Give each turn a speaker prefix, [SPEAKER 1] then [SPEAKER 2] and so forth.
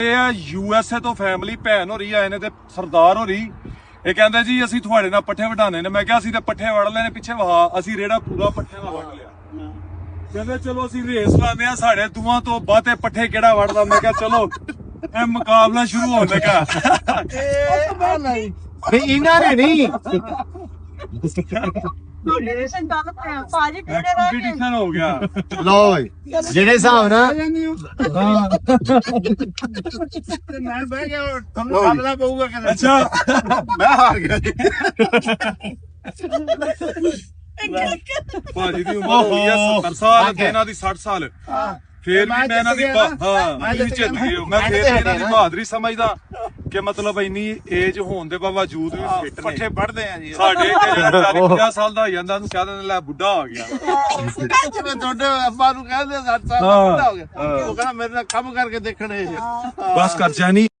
[SPEAKER 1] USA ਤੋਂ family ਭੈਣ ਹੋ ਰਹੀ ਆਏ ਨੇ ਤੇ ਸਰਦਾਰ ਹੋ ਰਹੀ ਇਹ ਕਹਿੰਦੇ ਜੀ ਅਸੀਂ ਤੁਹਾਡੇ ਨਾਲ ਪੱਠੇ ਵਢਾਣੇ ਨੇ। ਮੈਂ ਕਿਹਾ ਅਸੀਂ ਤੇ ਪੱਠੇ ਵੜ ਲੈਣੇ ਪਿੱਛੇ ਵਹਾ ਅਸੀਂ ਰੇੜਾ ਪੂਰਾ ਪੱਠਿਆਂ ਦਾ ਵੜ ਲਿਆ। ਕਹਿੰਦੇ ਚਲੋ ਅਸੀਂ ਰੇਸ ਲਾਉਂਦੇ ਆ ਸਾਡੇ ਦੋਵਾਂ ਤੋਂ ਬਾਤੇ ਪੱਠੇ ਕਿਹੜਾ ਵੜਦਾ। ਮੈਂ ਕਿਹਾ ਚਲੋ ਇਹ ਮੁਕਾਬਲਾ ਸ਼ੁਰੂ ਹੋਣ ਲੱਗਾ।
[SPEAKER 2] ਇਹਨਾਂ ਨੇ ਨਹੀਂ
[SPEAKER 1] ਕੰਪੀਟੀਸ਼ਨ ਹੋ ਗਿਆ।
[SPEAKER 2] ਲੋ ਜਿਹੜੇ ਹਿਸਾਬ ਨਾਲ
[SPEAKER 3] ਮੈਂ ਬਹਿ ਗਿਆ ਤੁਹਾਨੂੰ ਸਾਹਮਣਾ ਪਊਗਾ ਕਹਿੰਦਾ
[SPEAKER 1] ਅੱਛਾ
[SPEAKER 3] ਮੈਂ ਹਾਰ ਗਿਆ ਜੀ।
[SPEAKER 1] ਭਾਜੀ ਦੀ ਉਮਰ ਹੋ ਗਈ ਆ 70 ਸਾਲ ਤੇ ਇਹਨਾਂ ਦੀ 60 ਸਾਲ। ਫੇਰ ਵੀ ਮੈਂ ਇਹਨਾਂ ਦੀ ਮੈਂ ਜਿੱਤ ਗਈ। ਮੈਂ ਫੇਰ ਇਹਨਾਂ ਦੀ ਬਹਾਦਰੀ ਸਮਝਦਾ ਕਿ ਮਤਲਬ ਇੰਨੀ ਏਜ ਹੋਣ ਦੇ ਬਾਵਜੂਦ ਵੀ ਫਿੱਟ ਨੇ।
[SPEAKER 3] ਪੱਠੇ ਵੱਢਦੇ ਆ ਜੀ
[SPEAKER 1] ਸਾਡੇ ਜਿਹੜਾ 40-50 ਸਾਲ ਦਾ ਹੋ ਜਾਂਦਾ ਉਹਨੂੰ ਕਹਿ ਦਿੰਦੇ ਲੈ ਬੁੱਢਾ ਹੋ ਗਿਆ।
[SPEAKER 3] ਜਿਵੇਂ ਤੁਹਾਡੇ ਅੱਬਾ ਨੂੰ ਕਹਿੰਦੇ 60 ਸਾਲ ਦਾ ਬੁੱਢਾ ਹੋ ਗਿਆ ਉਹ ਕਹਿੰਦਾ ਮੇਰੇ ਨਾਲ ਕੰਮ ਕਰਕੇ ਦੇਖਣੇ।
[SPEAKER 1] ਬਸ ਕਰ ਜਾਨੀ